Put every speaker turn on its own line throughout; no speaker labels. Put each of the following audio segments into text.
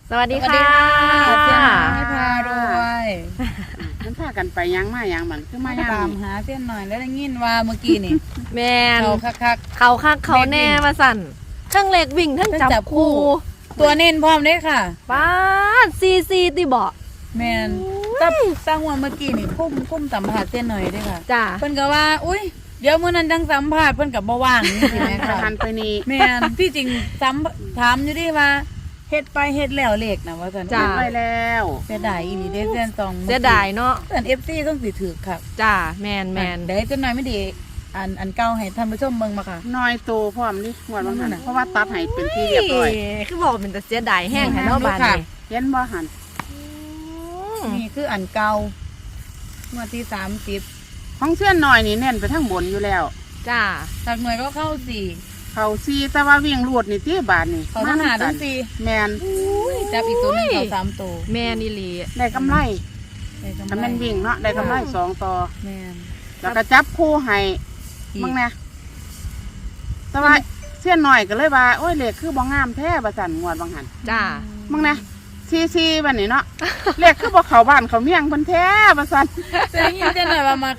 สวัสดีค่ะ
เสียนน้อยพารวย
มันพากันไปยังมายังมันคือมายัง
ตามหาเสียนหน่อยแล้วได้ยินว่าเมื่อกี้นี่
แมน
เขาคัก
เขาคักเขาแน่มาสั่นทั้งเล็กวิ่งทั้งจับคู่
ตัวเน้นพร้อมเด้ค่ะ
ป้าซีติบอก
แมนตั้งหัวเมื่อกี้นี่คุ้มสัมผัสเสียนหน่อยเด้ค่ะ
จ้า
เพิ่นก็ว่าอุ้ยเดี๋ยวมื้อนั้นจังสัมภาษณ์เพิ่นก็บ่ว่างนี่สิแม่
กระ
ค่ะ
ทันไปนี่
แม่นที่จริงถามอยู่ดิว่าเฮ็ดไปเฮ็ดแล้วเลขนะว่าซั่น
จ้ะ
ไปแล้ว
เสียดายอีหลีเด้เสียนสอง
เสียดายเนาะ
เสียน FC ต้องสิถือครับ
จ้าแมน
เดี๋ยวจะหน่อยไม่ดีอันเก่าให้ท่านผู้ชมเบิ่งมาค่ะ
น้อยโตพร้อมนี่หวดบางหันเพราะว่าตัดให้เป็นที่เรียบร้อย
คือบอกเป็นแต่เสียดายแห้งแค่นอกบ้านนี่
เห็นบ่หัน
นี่คืออันเก่างวดที่30
ของเส้นน้อยนี่เน้นไปทั้งบนอยู่แล้ว
จ้า
หลักหน่วยก็เข้า4
เขาซีแต่ว่าวิ่งรวดนี่ที่บาทนี่
เขาทั้งหาทั้ง
แมน
4จับอีกตัวหนึงเขา3ตัว
แมนอีหลี
ได้กำไร
ได้กำไร
ถ้าแมันวิ่งเนาะได้กำไร2ต่อ
แม่น
แล้วก็จับคู่ให้มึงนะแต่ว่าเส้นน้อยก็เลยว่าโอ้ยเลขคือบ่งามแท้บ่สั่นงวดบางหัน
จ้า
มึงนะซีบันนี้เนาะ เลขคือบ่เข้าบ้านเขาเมียงเพิ่นแท้บ่สั่น
จะได้ยินแต่หน่อยว่ามัก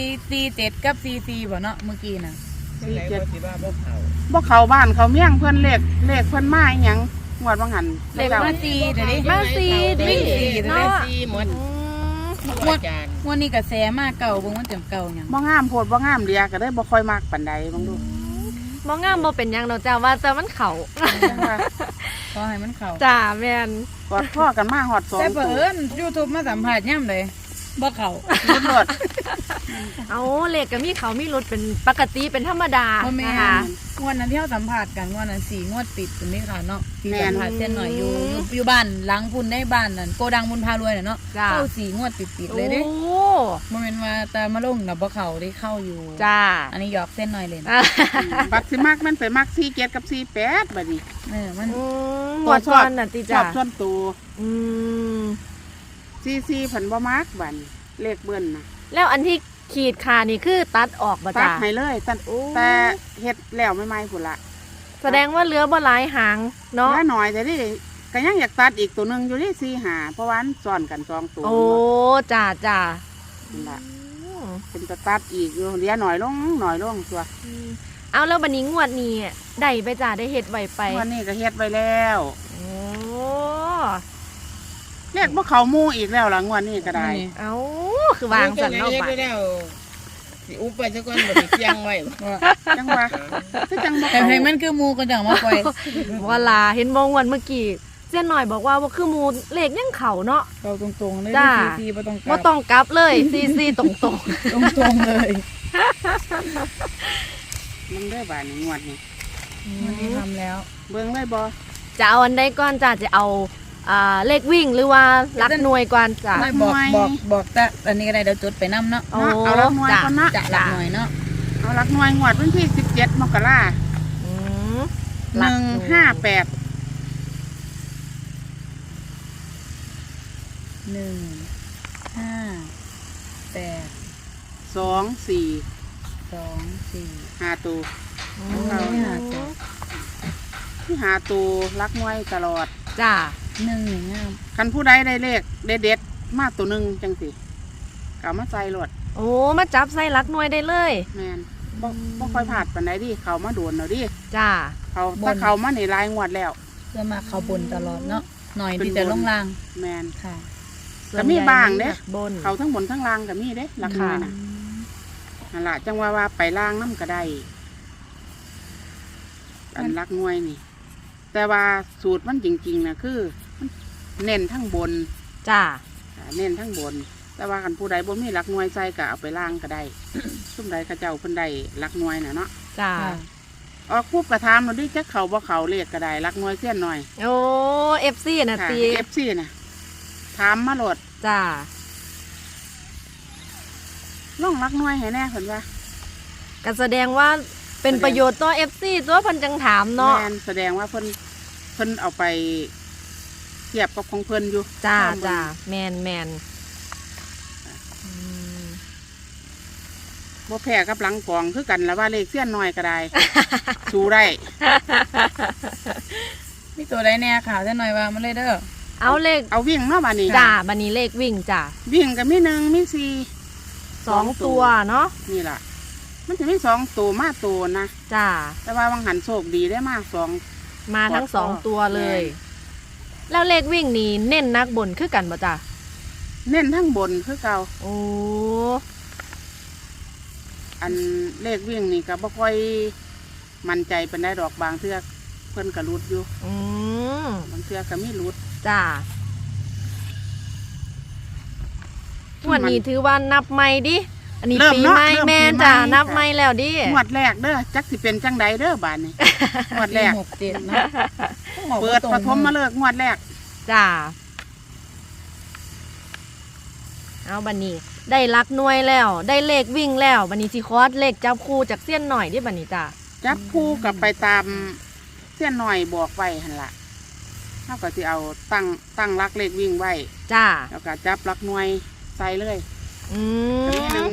447กับ44บ่เนาะเมื่อกี้น่ะ
บ่เข้าบ้านเขาเมียงเพิ่นเลขเพิ่นมาอีหยังงวดบางหัน
เลขมา4เดี๋ยวนี้
มาซีดิ
วิ่งสี่เนาะ
เนาะ
หมด
งวดนี้ก็แสมาเก่าเบิ่งมันเต็มเก่าหยัง
บ่งามโพดบ่งามเลียก็เลยบ่ค่อยมักปานใดบางดู
มองงามบ่เป็นหยังดอกจ้าว่าแต่มันเขา
ขอให้มันเข้า
จ้าแมน
กอดพ่อกันมาฮอด2
แต่เผอิญ YouTube มาสัมภาษณ์ย่ำเลยบ่เข้า
ตำรวจ
เอาเลขก็มีเขามีรถเป็นปกติเป็นธรรมดา
บ่แม่
นะคะ
งวดนั้นที่เราสัมภาษณ์กันงวดนั้น4งวดติดตรงนี้ค่ะเนาะที่สัมภาษณ์เส้นหน่อยอยู่บ้านหลังพุ่นในบ้านนั่นโกดังบุญพารวยน่ะเนาะ
จ้า
เข้า4งวดติดเลยเด้
โอ้
บ่แม่นว่าแต่มาลงน่ะบ่เข้าได้เข้าอยู่
จ้า
อันนี้หยอกเส้นหน่อยเลยนะ
บัตรสิมักมันไปมัก47กับ48บัดนี้
มัน
หมวดก่อนน่ะติ
ช
จ้า
อบส่วนตัว
อืม
44เพิ่นบ่มักบัดนี้เลขเบิ้นน่ะ
แล้วอันที่ขีดขานี่คือตัดออกบ่
ตัด
จ้า
ให้เลยตัด
โอ้
แต่เฮ็ดแล้วใหม่ๆพุ่นละ
แสดงว่าเหลือบ่หลายหางเนาะ
เหลือหน่อยแต่นี่ก็ยังอยากตัดอีกตัวหนึงอยู่ที่4 5เพราะว่ามันซ้อนกัน2ตัว
โอ้จ้าจ้า
นั่นล่ะเป็นตะตัดอีกอยู่เหลือหน่อยลงตัว
เอาแล้วบัดนี้งวดนี้ได้ไปจ้าได้เฮ็ดไว้ไป
วันนี้ก็เฮ็ดไว้แล้ว
โอ้
เรียกว่าเขาหมู่อีกแล้วล่ะงวดนี้ก็ได้
เอาคือวางสันเนาะ
ไป
บัด
แล้วสิอุบไปซะก่อนบ่ได้เที่ยงไว้
จังว่าคือจังบ่
แต่
เขา
ให้มันคือหมูกันจังมาปล่อย
ว่าลาเห็นบ่งวันเมื่อกี้เส้นหน่อยบอกว่าคือหมูเลขยังเขาเนาะ
เราตรงๆเลย
จ้า
ซีบ่ต้องก
บ่
ลับ
ต้องกลับเลยซีตรง
ตรงๆเลย
มันได้บาดนี้งวดนี้
วันนี้ทำแล้ว
เบิ่งเลยบ่
ๆจะเอาอันใดก่อนจ้าจะเอาเลขวิ่งหรือว่าหลักหน่วยก่อนจ้า
ไม่บอกแต่อันนี้ก็ได้เดี๋ยวจดไปน้ำเนาะ
โอ้
เอาละหน่วยก่อนนะ
จะหลักหน่อยเนาะ
เอาหลักหน่วยงวดวันที่17มกราค
อืม
ม158
158
2 4
2 4
5ตัว
เอาไม่หาจ้ะ
ที่หาตัวหลักหน่วยตลอด
จ้า
1นี่งาม
คันผู้ใดได้เลขเด็ดๆมาตัวหนึงจังสิก็เอามาใส่รถ
โอ้มาจับใส่หลักหน่วยได้เลย
แม่นบ่ค่อยพลาดปานใดดิเขามาโดนเอาดิ
จ้า
ถ้าเขามาในรายงวดแล้ว
เพื่อมาเข้าบนตลอดเนาะหน่อยที่จะลงล่าง
แม่น
ค่ะ
ก็มีบ้างเด้
บน
เขาทั้งบนทั้งล่างก็มีเด้ราคาน่ะนั่นล่ะจังว่าไปล่างน้ำก็ได้ อันรักหน่วยนี่ แต่ว่าสูตรมันจริงๆนะคือมันเน้นทั้งบน
จ้า
เน้นทั้งบน แต่ว่าคันผู้ใดบ่มีรักหน่วยใส่ก็เอาไปล่างก็ได้ ซุ่มใดเขาเจ้าเพิ่นได้รักหน่วยน่ะเนาะ
จ้า
ออกปุ๊บกระทำเราดิจักเขาบ่เขาเลขก็ได้รักหน่วยเสี้ยนหน่อย
โอ้เอฟซีน่ะ
ค่ะ
ตี
FC น่ะถามมาโหลด
จ้า
ล่องรักหน่วยให้แน่เพิ่นว่า
ก็แสดงว่าเป็นประโยชน์ต่อเอฟซีตัวเพันจังถามเนาะ
แม่นแสดงว่าเพิ่นเอาไปเทียบกับของเพิ่นอยู่
จ้า
ตมเบิ่ง
จ้าแมนอืม
บ่แพ้กับหลังกองคือกันแล้วว่าเลขเสี้ยนหน่อยก็ได้ สู้ได้
มีตัวใดแน่ข่าวจะหน่อยว่ามันเลยเด้อ
เอาเลข
เอาวิ่งเนาะบัดนี้
จ้าบันนี้เลขวิ่งจ้า
วิ่งก็มี1มี4
2 ตัวเนาะ
นี่ล่ะมันจะมี2ตัวมาตัวนะ
จ้า
แต่ว่าวังหันโชคดีได้มา2
มาทั้ง
กอด
2 ตัวเลย
แม่
แล้วเลขวิ่งนี่เน้นนักบนคือกันบ่จ้า
เน้นทั้งบนคือเก่า
โอ้
อันเลขวิ่งนี่ก็บ่ค่อยมั่นใจปานใดดอกบางเทื่อเพิ่นก็หลุดอยู่
อืม
บางเทื่อก็มีหลุด
จ้าวันนี้ถือว่านับใหม่ดิ อันนี้
เริ่ม
ปี
เนาะ
ใหม่
เริ่ม
แม่
ปีใหม่
จ้า
ค่ะ
นับใหม่แล้วดิ
งวดแรกเด้อจักสิเป็นจังใดเด้อบาดนี้ งวดแรก
6 7เนาะ
เปิดปฐมมาเลิกงวดแรก
จ้า เอาบันนี้ได้ลักหน่วยแล้ว ได้เลขวิ่งแล้วบันนี้สิคอสเลขจับคู่จากเสี้ยนหน่อยดิบันนี้จ้า
จับคู่กับไปตามเส้นหน่อยบอกไว้หั่นล่ะเฮาก็สิเอาตั้งรักเลขวิ่งไว้
จ้า
แล้วก็จับรักหน่วยใส่เลย
อื
ก็มี
ม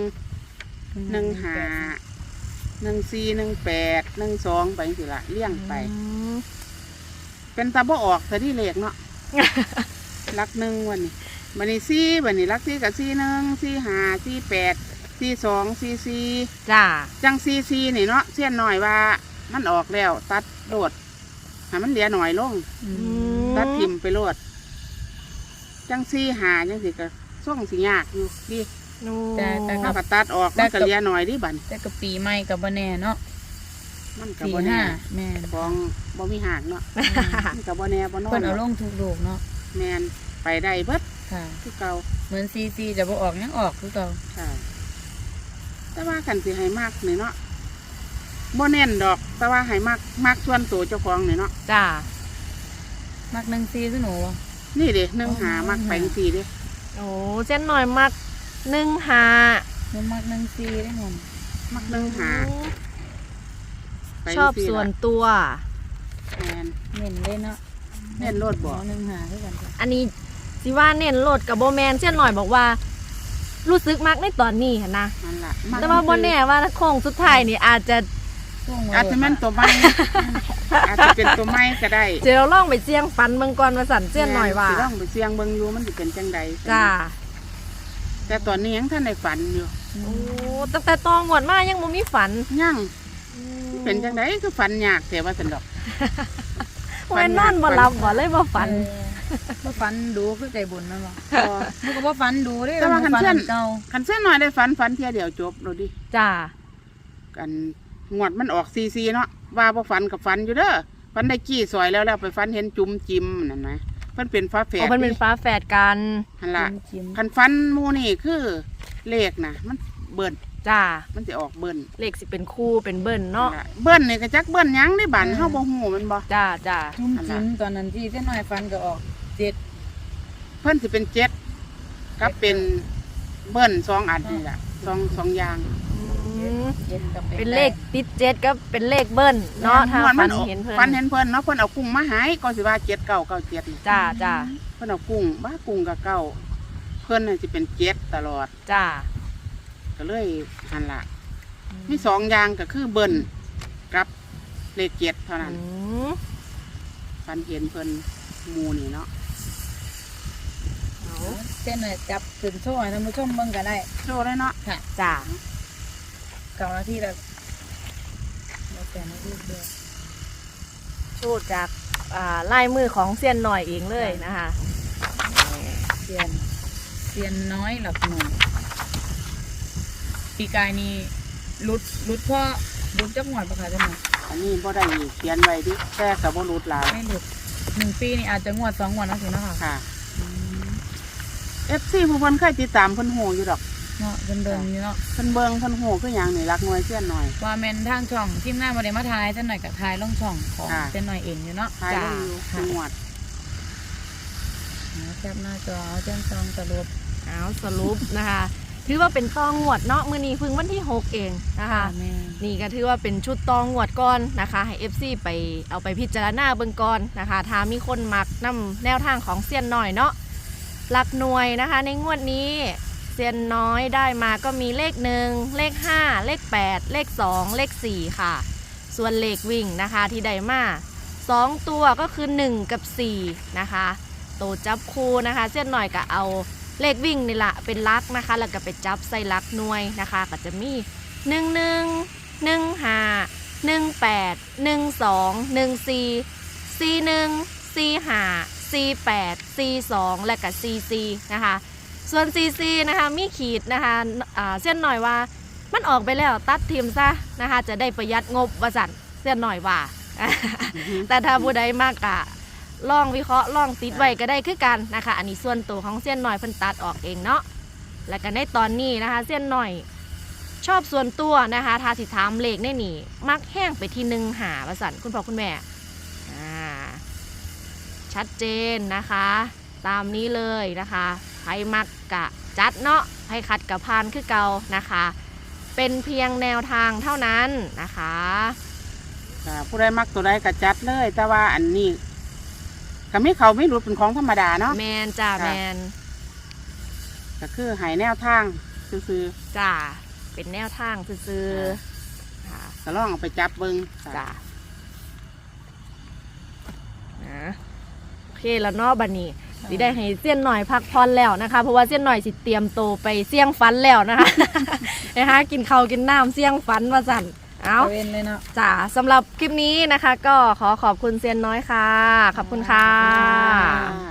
1 1 1 5 1 4 1 8 1 2ไปจังซี่ล่ะเลี้ยงไป เป็นตาบ่ออกแต่ที่เลขเนาะ รักหนึ่งวันนี้วันนี้สี่วันนี้รักสี่กับสี่หนึ่งสี่ห้าสี่แปดสี่สองสี่สี่
จ้า
จังสี่สี่นี่เนาะเสี้ยนหน่อยว่ามันออกแล้วตัดโดดให้มันเหลือหน่อยลง ตัดทิมไปโลดจังสี่หาจังสิก็ส่งสิยากอยู่ดิ
โอ้
แต่
ถ้าก็ตัดออกมันก็เหลือหน่อยดิบัน
แต่ก็ปีใหม่ก็บ่แน่เนาะ
มันก็บ่แน่
4 5แม่น
ของบ่มีหากเนาะมันก็บ่แน่บ่นอ
เพิ่
น
นเอาลงทุกลูกเนาะ
แมนไปได้เบิด
ค่ะ
คือเก่า
เหมือนซีจะบ่ออกยังออกคือเก่า
ค่ะแต่ว่ากันสิให้มากนี่เนาะบ่แน่นดอก แต่ว่าให้มากส่วนตัวเจ้าของนี่เนาะ
จ้า
มัก1 4คือหนูบ่
นี่เด้หนึ่งหามักไปสี่เด้
โอ้เส้นหน่อยมัก1 5
หนูมัก1 4ได้หมด
มักหนึ่งหาไป
ชอบ
สี่
ส่วน
ละ
ตัว
แมน
เน้นเลยเนาะ
เน้นโลดบ่
1 5คือกันจ้ะ
อันนี้สิว่าเน้นโหลดกับโบแมนเส้นหน่อยบอกว่า รู้สึกมักในตอนนี้หั่นนะ
นั่นล่ะมัก
แต่ว่าโบแน่ว่าโค้งสุดท้ายนี่อาจจะ
ช่วง
อาจจะแม่นตัวใหม่ อาจจะเป็นตัวใหม่ก็ได้
เจอเราล่องไปเจียงฟันเมืองก่อนมาสั่นเส้นหน่อยว่า
สิลองไปเสียงเบิ่งอยู่มันสิเป็นจังใด
จ้า
แต่ตอนนี้ยังท่านได้ฝันอยู่
โอ้ตั้งแต่ตองหวดมายังบ่มีฝัน
ยังเป็นจังใดคือฝันยากแต่ว่าสันดอก
แม่นนอนบ่หลับบ่เลยบ่ฝัน
บ่ฝันดูคือใจบุญนั่นบ่
พอ
หนูก็บ่ฝันดูเด้
แต่ว่าคัน
ฝั
เพื่อน
เก่า
คันเส้นหน่อยได้ฝันเที่ยเดียวจบเราดิ
จ้า
กันงวดมันออกซีเนาะว่าบ่ฝันกับฝันอยู่เด้อฝันได้กี้ซอยแล้วไปฝันเห็นจุ่มจิ้มนั่นนะเพิ่นเป็นฟ้าแฝ
โอ้
ด
มันเป็นฟ้าแฝดกัน
หั่นล่ะ
จิ้ม
คันฝันหมู่นี่คือเลขนะมันเบิ่น
จ้า
มันสิออกเบิ่น
เลขสิเป็นคู่เป็นเบิ้ลเนาะ
นั่นล่ะเบิ่นนี่ก็จักเบิ่นหยังได้บันเฮาบ่ฮู้แมันบ่
จ้าจ้า
จุ่มจิ้มตอนนั้นที่เส้นน้อยฟันก็ออก7
เพิ่นสิเป็นเจ็ดกับเป็นเบิ่นสองอันนี่ล่ะสองอย่าง
อืม
7กับ
เป็นเลขติดเจ็ดก็เป็นเลขเบิ้ลเนาะถ้า
ม่ว
ฝัน
ออก
เห็นเพิ่น
ฝันเห็นเพิ่นเนาะเพิ่นเอากุ้งมาให้ก็สิว่า7997นี่
จ้าจ้า
เพิ่นเอากุ้งบ้ากุ้งกับเก้าเพิ่นน่ะสิเป็นเจ็ดตลอด
จ้า
ก็เลยหันล่ะมีสองอย่างก็คือเบิ่นกับเลขเจ็ดเท่านั้น
อืม
ฝันเห็นเพิ่นหมู่นี่เนาะ
เอา
เส้นน้อยจับขึ้นโซ่ให้ท่านผู้ชมเบิ่งก็ได้
โชว์เลยเนาะ
จ้า
9 นาทีแล้วแล้วแต่นาทีเดียว
ชูดจากลายมือของเซียนหน่อยเองเลยนะคะ
เซียนน้อยหลักหน่วยปีกายนี่ลุดพ่อลุดจักหวดปะคะท่านหน่อย
อันนี้บ่ได้เขียนไว้ดิแต่ก็บ่รู้หลาย
ไม่หลุด1 ปีนี่อาจจะงวด2 งวดนะสินะคะ
ค่ะ FC ผู้เพิ่นเคยติดตามเพิ่นฮู้อยู่ดอก
เนาะเดินๆอยู่เนาะ
เพิ่นเบิ่งเพิ่นฮู้คือหยังนี่รักหน่วยเสี้ยนหน่อย
ว่าแม่นทางช่องทีมงานบ่ได้มาทายเส้นหน่อยกับทายลงช่องของ
ค่ะ
เส้นหน่อยเองอยู่เนาะ
ทายลงอยู่จังหวัด
แคปหน้าจอเอาแจ้งซองสรุป
เอาสรุปนะคะ ถือว่าเป็นตองงวดเนาะมื้อนี้เพิ่งวันที่ 6 เองนะคะ
แม่
นี่ก็ถือว่าเป็นชุดตองงวดก่อนนะคะ ให้ FC ไปเอาไปพิจารณาเบิ่งก่อนนะคะ ถ้ามีคนมักนำแนวทางของเซียนน้อยเนาะหลักหน่วยนะคะ ในงวดนี้เซียนน้อยได้มาก็มีเลข1เลข5เลข8เลข2เลข4ค่ะ ส่วนเลขวิ่งนะคะที่ได้มา2ตัวก็คือ1กับ4นะคะตัวจับคู่นะคะเส้นหน่อยก็เอาเลขวิ่งนี่แหละเป็นลักนะคะแล้วก็ไปจับใส่ลักหน่วยนะคะก็จะมี11 15 18 12 14 41 45 48 42และก็44นะคะส่วน44นะคะมีขีดนะคะเส้นหน่อยว่ามันออกไปแล้วตัดทิมซะนะคะจะได้ประหยัดงบว่าสั่นเส้นหน่อยว่า แต่ถ้าผู้ใดมากกะลองวิเคราะห์ลองติดไว้ก็ได้คือกันนะคะอันนี้ส่วนตัวของเส้นหน่อยเพิ่นตัดออกเองเนาะแล้วก็ในตอนนี้นะคะเส้นหน่อยชอบส่วนตัวนะคะทาสิถามเลขในนี่มักแห้งไปที่1 หาว่าสั่นคุณพ่อคุณแม่ชัดเจนนะคะตามนี้เลยนะคะใครมักกะจัดเนาะให้คัดกับพานคือเก่านะคะเป็นเพียงแนวทางเท่านั้นนะคะ
ผู้ใดมักตัวใดก็จัดเลย แต่ว่าอันนี้ก็ไม่เขาไม่รู้เป็นของธรรมดาเนาะ
แมนจ้าแมน
ก็คือใหายแนวทางซื้อ
จ้าเป็นแนวทางซื้อๆค่ะ
ๆก็ลองเอาไปจับเบิ้ง
จ้านะโอเคแล้วเนาะบัดนี้สิได้ให้เสี้ยนหน่อยพักผ่อนแล้วนะคะเพราะว่าเสี้ยนหน่อยสิเตรียมโตวไปเสี่ยงฟันแล้วนะคะ นะคะกินข้าวกินน้ำเสี่ยงฟันว่าสั่นเอา
เว้นเลยเนาะ
จ้าสำหรับคลิปนี้นะคะ ก็ขอขอบคุณเซียนน้อยค่ะ ขอบคุณค่ะ
อ่า